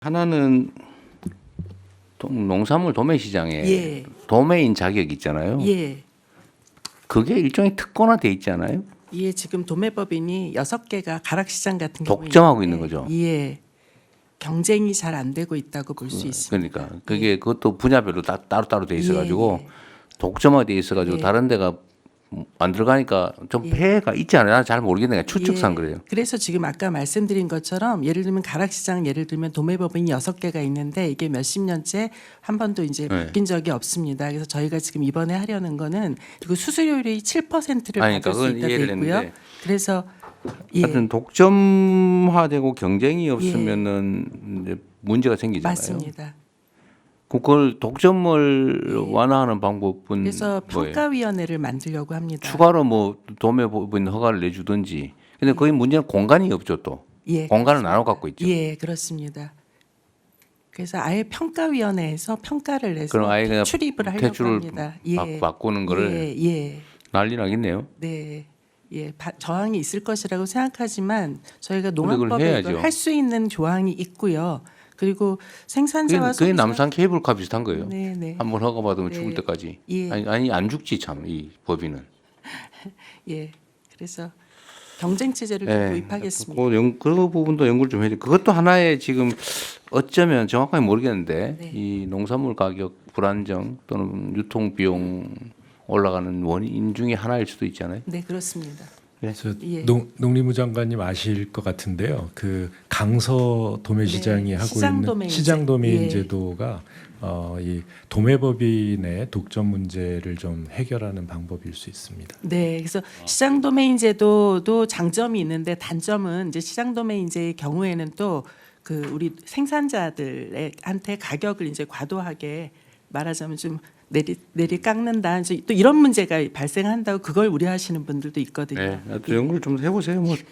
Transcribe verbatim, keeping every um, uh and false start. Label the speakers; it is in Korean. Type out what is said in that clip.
Speaker 1: 하나는 동- 농산물 도매 시장에
Speaker 2: 예.
Speaker 1: 도매인 자격 있잖아요.
Speaker 2: 예.
Speaker 1: 그게 일종의 특권화돼 있잖아요.
Speaker 2: 예, 지금 도매법인이 여섯 개가 가락시장 같은 경우에
Speaker 1: 독점하고
Speaker 2: 있는데,
Speaker 1: 있는 거죠.
Speaker 2: 예. 경쟁이 잘 안 되고 있다고 볼 수 있습니다.
Speaker 1: 그러니까 그게 그것도 분야별로 다 따로따로 돼 있어가지고
Speaker 2: 예, 예.
Speaker 1: 독점화돼 있어가지고
Speaker 2: 예.
Speaker 1: 다른 데가 안 들어가니까 좀
Speaker 2: 예.
Speaker 1: 폐해가 있지 않아요? 나는 잘 모르겠네. 추측상
Speaker 2: 예.
Speaker 1: 그래요.
Speaker 2: 그래서 지금 아까 말씀드린 것처럼 예를 들면 가락시장 예를 들면 도매법인이 여섯 개가 있는데 이게 몇십 년째 한 번도 이제
Speaker 1: 네.
Speaker 2: 바뀐 적이 없습니다. 그래서 저희가 지금 이번에 하려는 거는 그리고 수수료율이 칠 퍼센트를
Speaker 1: 아니,
Speaker 2: 받을
Speaker 1: 그러니까
Speaker 2: 수
Speaker 1: 그건
Speaker 2: 있다 돼
Speaker 1: 이해를
Speaker 2: 있고요.
Speaker 1: 했는데.
Speaker 2: 그래서 예.
Speaker 1: 하여튼 독점화되고 경쟁이 없으면은 이제 문제가 생기잖아요.
Speaker 2: 맞습니다.
Speaker 1: 그걸 독점을 완화하는 방법은
Speaker 2: 그래서
Speaker 1: 뭐예요?
Speaker 2: 평가위원회를 만들려고 합니다.
Speaker 1: 추가로 뭐 도매법인 허가를 내주든지. 근데 거기 문제는 공간이 없죠 또.
Speaker 2: 예,
Speaker 1: 공간을 나눠 갖고 있죠.
Speaker 2: 예, 그렇습니다. 그래서 아예 평가위원회에서 평가를 내서
Speaker 1: 그럼 아예 그냥
Speaker 2: 출입을 하려고
Speaker 1: 대출을
Speaker 2: 합니다. 예,
Speaker 1: 바, 바꾸는 거를
Speaker 2: 예, 예,
Speaker 1: 난리 나겠네요.
Speaker 2: 네, 예, 바, 저항이 있을 것이라고 생각하지만 저희가
Speaker 1: 그걸
Speaker 2: 농업법에
Speaker 1: 해야죠.
Speaker 2: 이걸 할 수 있는 조항이 있고요. 그리고
Speaker 1: 그게,
Speaker 2: 생산자와
Speaker 1: 그게
Speaker 2: 소비자-
Speaker 1: 남산 케이블카 비슷한 거예요.
Speaker 2: 네, 네,
Speaker 1: 한번 허가 받으면
Speaker 2: 네.
Speaker 1: 죽을 때까지.
Speaker 2: 예.
Speaker 1: 아니, 아니 안 죽지 참 이 법인은.
Speaker 2: 예, 그래서 경쟁 체제를
Speaker 1: 예.
Speaker 2: 도입하겠습니다.
Speaker 1: 그, 연, 그 부분도 연구를 좀 해야 돼. 그것도 하나의 지금 어쩌면 정확하게 모르겠는데
Speaker 2: 네.
Speaker 1: 이 농산물 가격 불안정 또는 유통 비용 올라가는 원인 중에 하나일 수도 있잖아요.
Speaker 2: 네, 그렇습니다.
Speaker 3: 저
Speaker 2: 예.
Speaker 3: 농, 농림부 장관님 아실 것 같은데요. 그 강서 도매시장이
Speaker 2: 네,
Speaker 3: 하고
Speaker 2: 시장
Speaker 3: 있는
Speaker 2: 도매인제.
Speaker 3: 시장 도매인
Speaker 2: 예.
Speaker 3: 제도가 어, 이 도매법인의 독점 문제를 좀 해결하는 방법일 수 있습니다.
Speaker 2: 네, 그래서 시장 도메인 제도도 장점이 있는데 단점은 이제 시장 도메인제의 경우에는 또 그 우리 생산자들한테 가격을 이제 과도하게 말하자면 좀 내리 내리 깎는다. 이제 또 이런 문제가 발생한다고 그걸 우려하시는 분들도 있거든요.
Speaker 1: 네, 또 연구를 좀 해보세요. 뭐